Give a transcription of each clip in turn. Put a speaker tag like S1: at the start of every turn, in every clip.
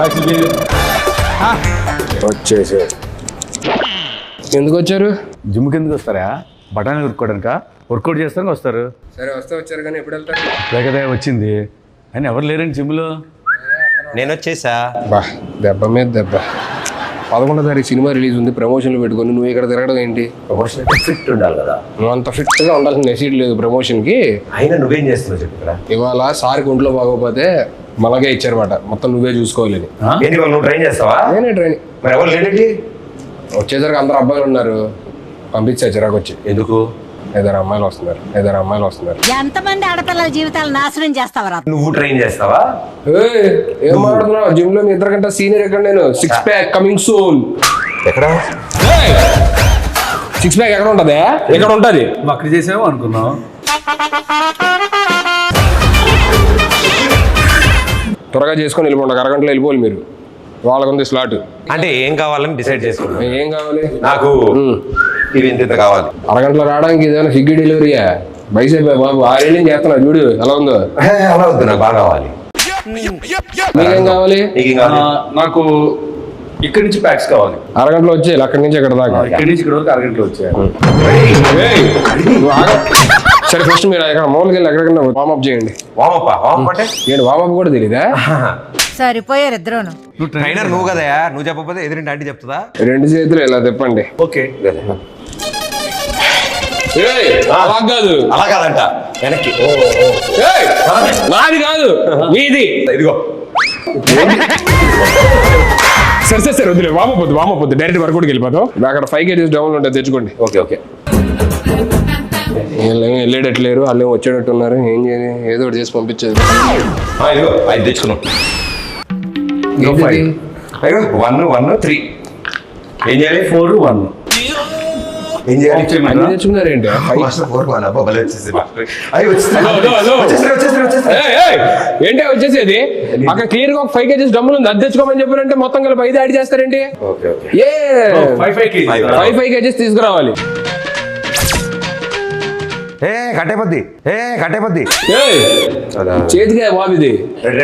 S1: వచ్చేసి ఎందుకు వచ్చారు?
S2: జిమ్కి ఎందుకు వస్తారా? బఠానీ కొట్టుకోవడానిక? వర్కౌట్ చేస్తానికి వస్తారు.
S1: సరే వస్తే వచ్చారు కానీ ఎప్పుడు వెళ్తారు?
S2: లేకదే వచ్చింది అని ఎవరు లేరండి జిమ్లో.
S3: నేను వచ్చేసా.
S1: బా దెబ్బ మీద దెబ్బ. 11వ తారీఖు సినిమా రిలీజ్ ఉంది, ప్రమోషన్లు పెట్టుకొని నువ్వు ఇక్కడ తిరగడం ఏంటి?
S3: ప్రమోషన్ ఫిట్ ఉండాలి కదా.
S1: నువ్వు అంత ఫిట్గా ఉండాల్సిన నెసీడ్ లేదు ప్రమోషన్కి.
S3: అయినా నువ్వేం చేస్తున్నావు చెప్పురా.
S1: ఇవాళ సార్కి ఒంట్లో బాగోపోతే మనకే ఇచ్చారన్నమాట, మొత్తం నువ్వే చూసుకోవాలని.
S3: ఏంటి వాళ్ళు నువ్వు ట్రైన్ చేస్తావా?
S1: నేనే ట్రైన్.
S3: మరి ఎవరు లేడేంటి?
S1: వచ్చేసరికి అందరు అబ్బాయిలు ఉన్నారు, పంపించా చిరాకు వచ్చి.
S3: ఎందుకు?
S1: 5 అమ్మాయిలు వస్తున్నారు.
S4: ఎంతమంది ఆడపిల్లల జీవితాలు నాశనం చేస్తావరా?
S3: నువ్వు ట్రైన్ చేస్తావా?
S1: ఏం మాట్లాడుతున్నావు? జిమ్ లో మీ ఇద్దరికంటే సీనియర్ ఎక్కడ? నేను 6 ప్యాక్ కమింగ్ సూన్.
S3: ఎక్కడ
S1: 6 ప్యాక్ ఎక్కడ ఉంటది? ఎక్కడ ఉంటది?
S2: అక్కడ చేసావు అనుకున్నావు.
S1: త్వరగా చేసుకొని వెళ్ళిపోండి, అరగంటలో వెళ్ళిపోవాలి మీరు. వాళ్ళకుంది స్లాట్.
S3: అంటే ఏం కావాలని డిసైడ్ చేసుకున్నా.
S1: ఏం కావాలి?
S3: నాకు ఇది ఇంత కావాలి.
S1: అరగంటలో రావడానికి ఇదేమైనా స్విగ్గీ డెలివరీయా? బైసేపు బాబు 6 ఏళ్ళు చేస్తున్నా, చూడు ఎలా ఉందో.
S3: అలా వద్దు, నాకు బాగా కావాలి.
S1: మీకేం కావాలి?
S3: నీకేం కావాలి?
S2: నాకు ఇక్కడి నుంచి ప్యాక్స్ కావాలి.
S1: అరగంటలో వచ్చేయాలి, అక్కడి నుంచి ఎక్కడ దాకా.
S2: ఇక్కడి నుంచి ఇక్కడ వరకు అరగంటలో వచ్చాయి.
S1: సరే ఫస్ట్ మీరు ఎక్కడ మామూలుగా వెళ్ళి ఎక్కడికన్నా వార్మప్ చేయండి.
S3: వామప్ప అంటే
S1: ఏంటి వార్మప్ కూడా తెలీదా?
S4: సరిపోయారు ఇద్దరును.
S3: ట్రైనర్ నువ్వు కదా, నువ్వు చెప్పకపోతే ఎదురింటి ఆంటీ చెప్తుందా?
S1: 2 చేతులు ఇలా తిప్పండి.
S3: ఓకే.
S1: అలా కాదు,
S3: అలా కాదంట, వెనక్కి.
S1: నాది కాదు మీది.
S3: ఇదిగో.
S1: సరే వద్దులే, వామపోద్దు డైరెక్ట్ వర్కౌట్కి వెళ్ళిపోతాం. అక్కడ 5 kgs డౌన్ ఉంటుంది, తెచ్చుకోండి.
S3: ఓకే.
S1: వీళ్ళేమో వెళ్ళేటట్లేరు, వాళ్ళు వచ్చేటట్టు ఉన్నారు. ఏం చేయాలి? ఏదో ఒకటి చేసి పంపించేది.
S3: ఇదిగో 5 తెచ్చుకున్నాం. 1 3 ఏం చేయాలి? 4 1 ఏం చేయాలి?
S1: తెచ్చుకున్నారు ఏంటి? ఏంటి వచ్చేసేది? అక్కడ క్లియర్ గా ఒక 5 kgs డబ్బులు ఉంది, అది తెచ్చుకోమని చెప్పారంటే మొత్తం కలిపి 5 యాడ్ చేస్తారేంటి? 5 kgs తీసుకురావాలి.
S3: కట్టేపద్ది
S1: చేతిగా బాబు ఇది.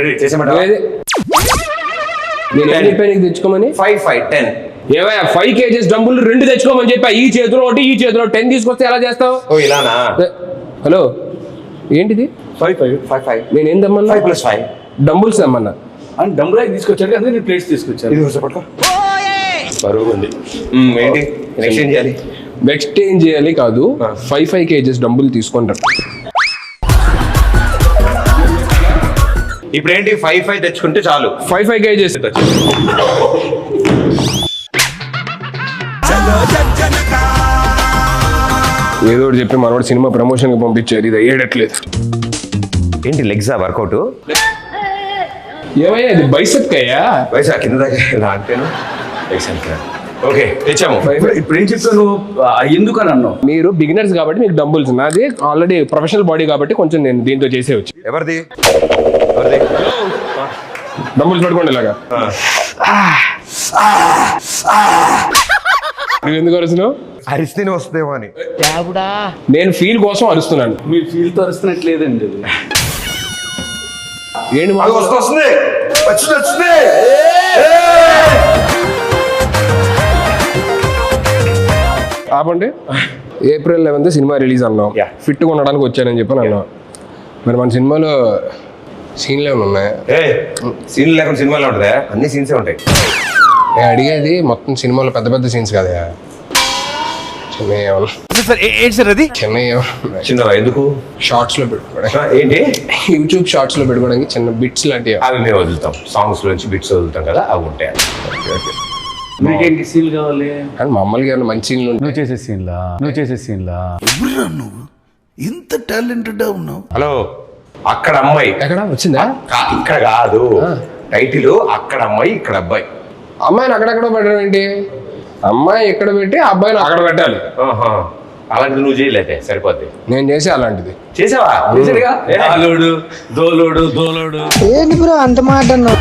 S1: నేను ఏం చెప్పాను నీకు తెచ్చుకోమని?
S3: 5 5 10
S1: ఏమయ్యా 5 kgs డబ్బులు 2 తెచ్చుకోమని చెప్పా. ఈ చేతిలో ఒకటి, ఈ చేతిలో 10 తీసుకొస్తే ఎలా చేస్తావు?
S3: ఇలానా?
S1: హలో ఏంటిది?
S3: 5 5 5
S1: నేను ఏం తెమ్మన్నా?
S3: 5 + 5
S1: డంబుల్స్ తెమ్మన్నా.
S2: అని డంబుల్ తీసుకొచ్చాడు కదా, నేను ప్లేట్స్ తీసుకొచ్చాను.
S3: ఇది పట్టుకో. బరువు ఉంది. ఏంటి ఎక్స్చేంజ్ చేయాలి?
S1: ఎక్స్చేంజ్ చేయాలి కాదు, 5 kgs డబ్బులు తీసుకుంటారు.
S3: ఇప్పుడు ఏంటి? 5 5 తెచ్చుకుంటే చాలు.
S1: 5 kgs. ఏదో ఒకటి చెప్పి మనోడు సినిమా ప్రమోషన్ కి పంపించారు, ఇది అయ్యేటట్లేదు.
S3: ఏంటి లెగ్సా వర్కౌట్?
S1: ఏమయ్యా ఇది బైసెప్ అయ్యా?
S3: వయసు కింద దాకా ఇలా అంటేను. ఓకే తెచ్చాము.
S2: ఇప్పుడు ఏం చెప్తాను ఎందుకు అని అన్నావు?
S1: మీరు బిగినర్స్ కాబట్టి మీకు డంబుల్స్, నాది ఆల్రెడీ ప్రొఫెషనల్ బాడీ కాబట్టి కొంచెం నేను దీంతో చేసేవచ్చు.
S3: ఎవరిది?
S1: డంబుల్స్ పట్టుకోండి ఇలాగా. నువ్వు ఎందుకు అరుస్తున్నావు?
S3: అరిస్తేనే వస్తుందేమో అని.
S1: నేను ఫీల్ కోసం అరుస్తున్నాను.
S2: మీ ఫీల్ తో అరుస్తున్నట్లేదండి.
S1: ఏంటి
S3: వస్తుంది.
S1: ఆపండి. April 11th సినిమా రిలీజ్ అన్నాం, ఫిట్గా ఉండడానికి వచ్చానని చెప్పని అన్నాం. మరి మన సినిమాలో సీన్లు ఏమైనా ఉన్నాయా?
S3: సీన్లు లేకుండా సినిమాలో ఉంటుందా? అన్ని సీన్సే ఉంటాయి.
S1: అడిగేది మొత్తం సినిమాలో పెద్ద పెద్ద సీన్స్ కదా,
S3: చిన్నవా? ఎందుకు?
S1: షార్ట్స్ లో పెట్టుకోవడానికి.
S3: ఏంటి?
S1: యూట్యూబ్ షార్ట్స్ లో పెట్టుకోవడానికి చిన్న బిట్స్ లాంటివి.
S3: అవి మేము వదులుతాం, సాంగ్స్ నుంచి బిట్స్ వదులుతాం కదా, అవి ఉంటాయి.
S2: మీకేంటి సీన్లు కావాలి?
S1: కానీ మామూలుగా మంచి సీన్లు
S2: నువ్వు చేసే సీన్లా
S5: నువ్వు ఇంత టాలెంటెడ్ ఉన్నావు.
S3: హలో, అక్కడ అమ్మాయి
S1: ఎక్కడ వచ్చిందా?
S3: ఇక్కడ కాదు, టైటిల్ అక్కడ అమ్మాయి ఇక్కడ అబ్బాయి.
S1: అమ్మాయిని అక్కడెక్కడ పెట్టడం ఏంటి? అమ్మాయి ఎక్కడ పెట్టి అబ్బాయిని అక్కడ పెట్టాలి.
S3: అలాంటిది నువ్వు చేయలేదే, సరిపోద్ది.
S1: నేను చేసే అలాంటిది.
S3: చేసావా?
S2: దోలోడు
S4: ఏంటి బ్రో అంత మాట అన్నావు?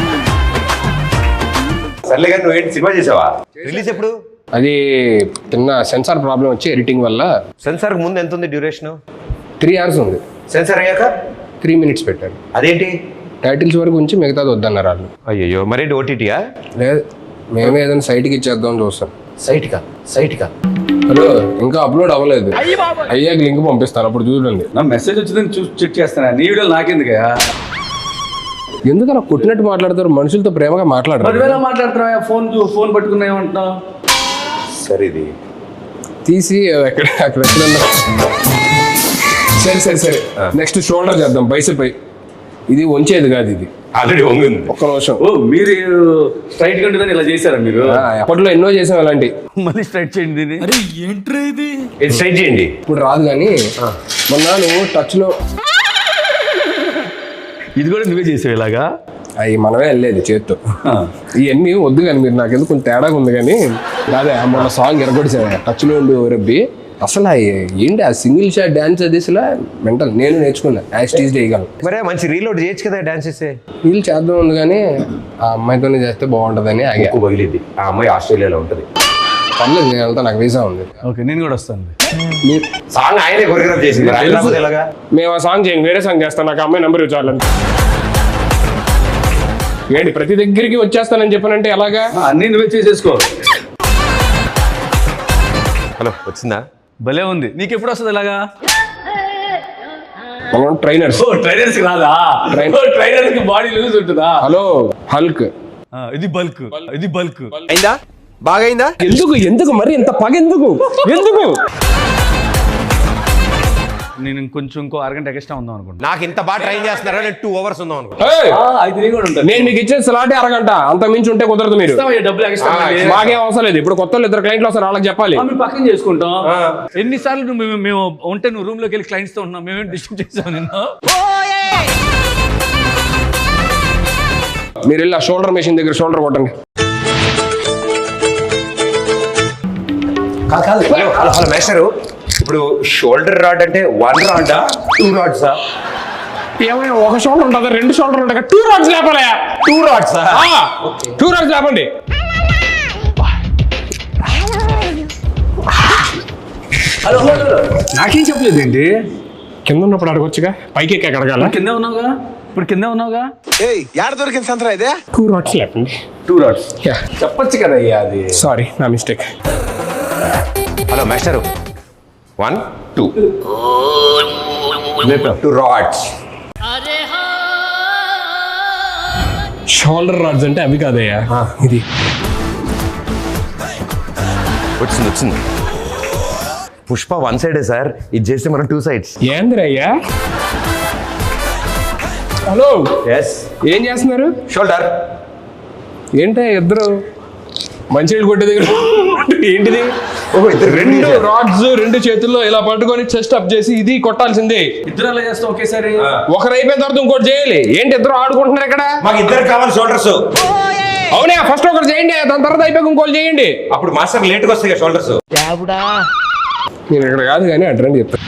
S3: సర్లే కానీ నువ్వేంటి సినిమా చేసావా? రిలీజ్ ఎప్పుడు?
S1: అది చిన్న సెన్సార్ ప్రాబ్లం వచ్చి ఎడిటింగ్ వల్ల.
S3: సెన్సార్ ముందు ఎంత ఉంది డ్యూరేషన్?
S1: 3 hours ఉంది.
S3: సెన్సార్ అయ్యాక
S1: 3 minutes పెట్టాను.
S3: అదేంటి?
S1: టైటిల్స్ వరకు ఉంచి మిగతాది వద్దన్నారు వాళ్ళు.
S3: అయ్యో మరేంటి ఓటీటీయా?
S1: లేదు, మేమే ఏదైనా సైట్కి ఇచ్చేద్దాం చూస్తాం.
S3: సైట్కా
S1: హలో, ఇంకా అప్లోడ్ అవ్వలేదు, అయ్యాక లింక్ పంపిస్తాను, అప్పుడు చూడండి.
S2: నా మెసేజ్ వచ్చిందని చూసి చెక్ చేస్తాను. నీ వీడియోలు నాకెందుకయ్యా?
S1: ఎందుకు అలా కొట్టినట్టు మాట్లాడతారు? మనుషులతో ప్రేమగా మాట్లాడరు.
S2: 10,000 మాట్లాడుతున్నావా? ఫోన్ పట్టుకున్నా ఏమంటున్నావు?
S3: సరే ఇది
S1: తీసి అక్కడ ఎక్కడన్నా. సరే నెక్స్ట్ షోల్డర్ చేద్దాం, బైసెప్. ఇది వంచేది కాదు, ఇది
S3: ఆల్రెడీ వంగింది.
S1: ఒక్క నిమిషం.
S2: ఓ మీరు స్ట్రైట్ గా ఇలా చేశారా మీరు?
S1: అప్పట్లో ఎన్నో చేసాం అలాంటి.
S2: మళ్ళీ స్ట్రైట్ చేయండి దీన్ని.
S3: ఇది స్ట్రైట్ చేయండి.
S1: ఇప్పుడు రాదు కానీ మొన్న నువ్వు టచ్ లో
S2: ఇది కూడా నువ్వే చేసావు ఇలాగా?
S1: అవి మనమే వెళ్ళేది చేత్తో. ఇవన్నీ వద్దు కానీ మీరు నాకు ఎందుకు కొంచెం తేడాగా ఉంది కానీ అదే మొన్న సాంగ్ ఎరగొడిసా టచ్ లో ఉండి రబ్బి. అసలు ఏంటి ఆ సింగిల్ షాట్ డాన్స్ అది అసలు మెంటల్. నేను నేర్చుకున్నా, యాస్టీజ్ చేయగలను.
S3: మరే మంచి రీలోడ్ చేయొచ్చు కదా డాన్స్ చేస్తే.
S1: వీళ్ళు చేద్దాం ఉంది కానీ ఆ అమ్మాయితోనే చేస్తే బాగుంటుందని ఆగా.
S3: ఎక్కువ పగిలిద్ది. ఆ అమ్మాయి ఆస్ట్రేలియాలో ఉంటుంది.
S1: పర్లేదు, నేను వెళ్తా, నాకు వీసా ఉంది.
S2: ఓకే, నేను కూడా వస్తాను.
S3: సాంగ్ ఆయనే కొరియోగ్రాఫ్ చేసింది. ఎలాగా
S1: మేము ఆ సాంగ్ చేయండి, వేరే సాంగ్ చేస్తాను, నాకు అమ్మాయి నెంబర్ ఇవ్వాలని. ఏంటి ప్రతి దగ్గరికి వచ్చేస్తానని చెప్పానంటే ఎలాగా?
S2: అన్నీ నువ్వే చేసేసుకో.
S3: హలో, వచ్చిందా?
S2: భలే ఉంది. నీకు ఎప్పుడు వస్తుంది ఇలాగా?
S1: మనం ట్రైనర్స్.
S2: ట్రైనర్స్ రాదా? ట్రైనర్స్ కి బాడీ లూజ్ ఉంటుందా?
S1: Hello, Hulk.
S2: ఇది బల్క్.
S3: అయిందా? బాగా అయిందా?
S1: ఎందుకు మరి ఇంత పగ ఎందుకు?
S2: నేను ఇంకో అరగంట ఎక్స్ట్రా ఉందాం అనుకుంటా.
S3: నాకు ఇంత బాగా ట్రైన్ చేస్తున్నారా? నేను 2 hours ఉందాం అనుకుంటా.
S2: అయితే కూడా ఉంటాను.
S1: నేను మీకు ఇచ్చే స్లాటే అరగంట, అంత మించి ఉంటే కుదరదు. మీరు
S2: డబ్బులు ఎక్స్ట్రా
S1: మాకేం అవసరం లేదు. ఇప్పుడు కొత్త 2 క్లయింట్లు వస్తారు, వాళ్ళకి చెప్పాలి.
S2: మేము పక్కన చేసుకుంటాం. ఎన్నిసార్లు మేము ఉంటే నువ్వు రూమ్ లోకి వెళ్ళి క్లయింట్స్ తో ఉన్నాం. మేమేం డిస్టర్బ్ చేసాం నిన్ను?
S1: మీరు వెళ్ళి ఆ షోల్డర్ మెషిన్ దగ్గర షోల్డర్ కొట్టండి.
S3: కాదు హలో మేస్టరు, ఇప్పుడు షోల్డర్ రాడ్ అంటే 1 రాడా 2 రాడ్సా?
S1: ఏమైనా ఒక షోల్డర్ ఉంటుందా, 2 షోల్డర్ ఉంటాయి? 2 రాడ్స్ లేపాలి.
S3: 2 రాడ్సా?
S1: 2 రాడ్స్ లేపండి.
S2: హలో నాకేం చెప్పలేదు ఏంటి?
S1: కింద ఉన్నప్పుడు అడగొచ్చుగా, పైకి ఎక్కి అడగాల.
S2: కిందే ఉన్నావుగా, ఇప్పుడు కిందే ఉన్నావుగా.
S3: యాడ దొరికింది సంతరా ఇదే?
S1: 2 రాడ్స్ లేపండి.
S2: 2 రాడ్స్ చెప్పొచ్చు కదా అయ్యా. అది
S1: సారీ, నా mistake.
S3: Hello master, 1 2 2 rods.
S1: Shoulder rods అంటే అవి కాదయ్యా, ఇది.
S3: వచ్చింది. పుష్ప 1 సైడే సార్, ఇది చేస్తే మనం 2 sides.
S1: ఏందిరయ్యా? Hello,
S3: yes.
S1: ఏం చేస్తున్నారు?
S3: షోల్డర్.
S1: ఏంటి ఇద్దరు మంచినీళ్ళు కొట్టే దగ్గర ఏంటిది?
S3: ఓహో,
S1: 2 రాడ్స్ 2 చేతుల్లో ఇలా పట్టుకొని చెస్ట్ అప్ చేసి ఇది కొట్టాల్సిందే.
S2: ఇద్దరు అలా చేస్తాం ఒకేసారి.
S1: ఒకరు అయిపోయిన తర్వాత ఇంకోటి చేయాలి. ఏంటి ఇద్దరు ఆడుకుంటున్నారు ఇక్కడ?
S3: మాకు ఇద్దరు కావాలి షోల్డర్స్.
S1: అవునా, ఫస్ట్ ఒకరు చేయండి, దాని తర్వాత అయిపోయి ఇంకోటి చేయండి.
S3: అప్పుడు మాస్టర్ లేట్గా వస్తాయి కదా షోల్డర్స్.
S1: నేను ఇక్కడ కాదు కానీ అడ్రండి చెప్తాను.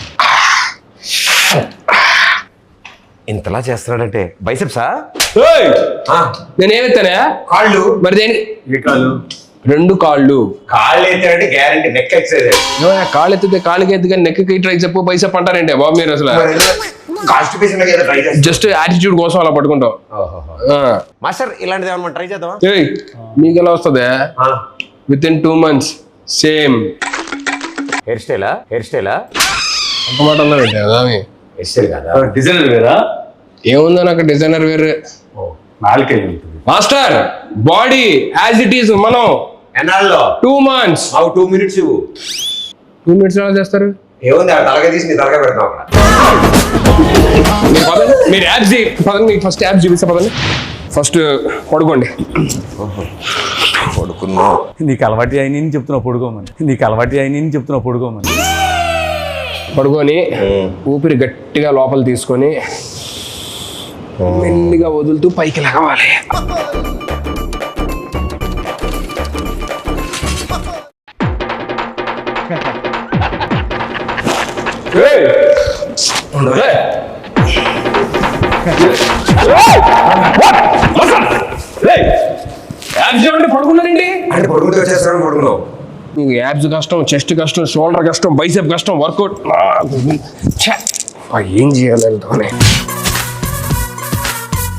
S3: ఇంతలా చేస్తున్నాడంటే బైసెప్సా?
S1: నేనేమెత్తానా?
S3: కాళ్ళు.
S1: మరి దేని? 2 కాళ్ళు.
S3: కాళ్ళు ఎత్తాడంటే గ్యారంటీ నెక్ ఎక్సైజ్.
S1: కాళ్ళు ఎత్తితే కాళ్ళకి ఎత్తి కానీ నెక్కి ట్రైసెప్ బైసెప్ అంటారంటే బాబు మీరు అసలు జస్ట్ యాటిట్యూడ్ కోసం అలా పట్టుకుంటాం.
S3: మాస్టర్ ఇలాంటిది ఏమన్నా ట్రై చేద్దామా?
S1: మీకు ఎలా వస్తుంది? విత్ ఇన్ 2 months సేమ్
S3: హెయిర్ స్టైలా?
S1: ఒక మాట అన్నారంటే అదామి
S3: హెయిర్ స్టైల్ కదా,
S2: డిజైనర్ వేరా?
S1: ఏముందో నాకు డిజైనర్ వేరే.
S2: నాలుకే ఉంటుంది
S1: master. Body as it is. మనం
S3: ఎన్నాళ్ళలో
S1: 2 months.
S3: 2 minutes ఇవ్వు.
S1: 2 minutes ఎలా చేస్తారు?
S3: ఏముంది, ఆ తలగా తీసి నీ తలగా పెడతాం అక్కడ.
S1: మీరు యాప్స్ పదండి, మీకు ఫస్ట్ యాప్స్ చూపిస్తా పదండి. ఫస్ట్ పడుకోండి.
S3: పడుకున్నా.
S2: నీకు అలవాటు అయిన చెప్తున్నావు పడుకోమని.
S1: పడుకొని ఊపిరి గట్టిగా లోపల తీసుకొని మెల్లిగా వదులుతూ పైకి లగవాలి. పడుకున్నారండి
S3: అంటే పడుకుంటూ వచ్చేస్తాను. పడుకున్నావు.
S1: నీకు యాబ్స్ కష్టం, చెస్ట్ కష్టం, షోల్డర్ కష్టం, బైసెప్ కష్టం, వర్కౌట్. ఏం చేయాలి?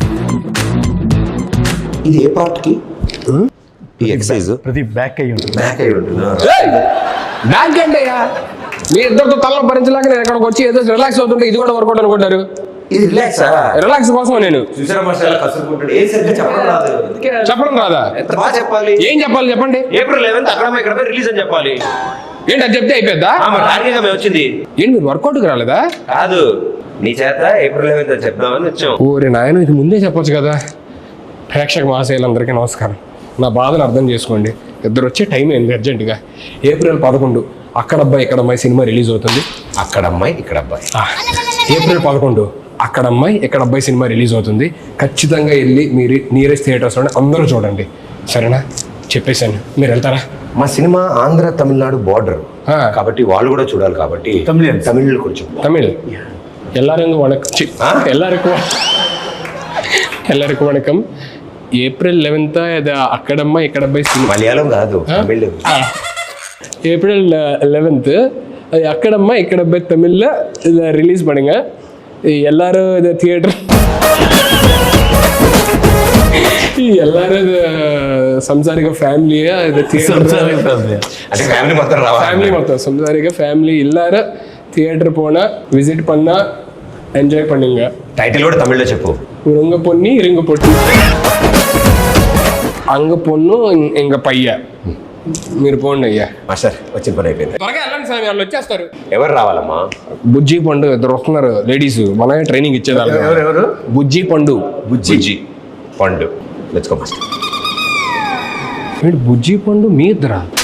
S3: ఇది ఏ పార్ట్ కి ఈ ఎక్సర్సైజ్
S2: ప్రతి బ్యాక్ అయ్యి ఉంటుంది.
S3: బ్యాక్ అయి ఉంటుందా?
S1: బ్యాంక్ ఏంటి అయ్యా మీ ఇద్దరితో తలలో భరించలేక నేను ఇక్కడికి వచ్చి ఏదో రిలాక్స్ అవుతుంటే ఇది కూడా వర్కౌట్ అనుకుంటారు.
S3: ఇది రిలాక్సా?
S1: రిలాక్స్ కోసం నేను
S3: చూసారా మాస్టర్ కసురుకుంటాడు. ఏం సరిగ్గా చెప్పడం రాదు.
S1: చెప్పడం రాదా?
S3: ఎంత బాగా చెప్పాలి.
S1: ఏం చెప్పాలి చెప్పండి.
S3: ఏప్రిల్ 11th అక్కడ రిలీజ్ అని చెప్పాలి.
S1: ఏంటి అది చెప్తే అయిపోద్దా?
S3: టార్గెట్ మేము వచ్చింది.
S1: ఏంటి మీరు వర్కౌట్కి రాలేదా?
S3: కాదు నీ చేత ఏప్రిల్ 11th అని చెప్దామని వచ్చాం.
S1: ఓరే నాయన ఇది ముందే చెప్పొచ్చు కదా. ప్రేక్షక మహాశయులందరికీ నమస్కారం. నా బాధను అర్థం చేసుకోండి. ఇద్దరు వచ్చే టైం ఏంది అర్జెంటుగా. ఏప్రిల్ 11 అక్కడ అబ్బాయి ఇక్కడ అమ్మాయి సినిమా రిలీజ్ అవుతుంది.
S3: అక్కడ అమ్మాయి ఇక్కడ అబ్బాయి.
S1: ఏప్రిల్ 11 అక్కడ అమ్మాయి ఇక్కడ అబ్బాయి సినిమా రిలీజ్ అవుతుంది. ఖచ్చితంగా వెళ్ళి మీరు నియరెస్ట్ థియేటర్స్లోనే అందరూ చూడండి, సరేనా? చెప్పేశాను, మీరు వెళ్తారా?
S3: మా సినిమా ఆంధ్ర తమిళనాడు బార్డర్
S1: ఆ.
S3: కాబట్టి వాళ్ళు కూడా చూడాలి కాబట్టి
S2: Tamilians.
S3: తమిళ్ కొంచెం
S1: தமிழ் எல்லாரும் எல்லாருக்கும் வணக்கம். ఏప్రిల్ 11 ఇది అక్కడమ్మ ఇక్కడ అబ్బాయి సినిమా.
S3: మలయాళం కాదు తమిళ్.
S1: ஏப்ரல் 11 அது அக்கடம்மா இக்கடப்பை தமிழில் இதை ரிலீஸ் பண்ணுங்க. எல்லாரும் இதை தியேட்டர் எல்லாரும் இது సంసారిక ఫ్యామిలీయా ఇది
S2: సంసారిక family.
S3: అంటే ఫ్యామిలీ మొత్తం రావాలి.
S1: ఫ్యామిలీ మొత్తం సంసారిక ఫ్యామిలీ எல்லாரும் தியேட்டர் போனா விசிட் பண்ணா ఎంజాయ్ பண்ணுங்க.
S3: టైటిల్ కూడా తమిళ్లో చెప్పు.
S1: உங்க பொண்ணு இருங்க பொண்ணு అంగ పొన్ను ఇంక పయ్య. మీరు పోండి అయ్యా.
S3: మాస్టర్ వచ్చిన పని అయిపోయింది.
S1: త్వరగా వెళ్ళండి స్వామి, వాళ్ళు వచ్చేస్తారు.
S3: ఎవరు రావాలమ్మా?
S1: బుజ్జి పండు ఇద్దరు వస్తున్నారు లేడీస్, మనమే ట్రైనింగ్ ఇచ్చేది.
S2: ఎవరు?
S1: బుజ్జి పండు.
S3: బుజ్జి పండు. Let's go master.
S1: బుజ్జి పండు మీ ఇద్దరా?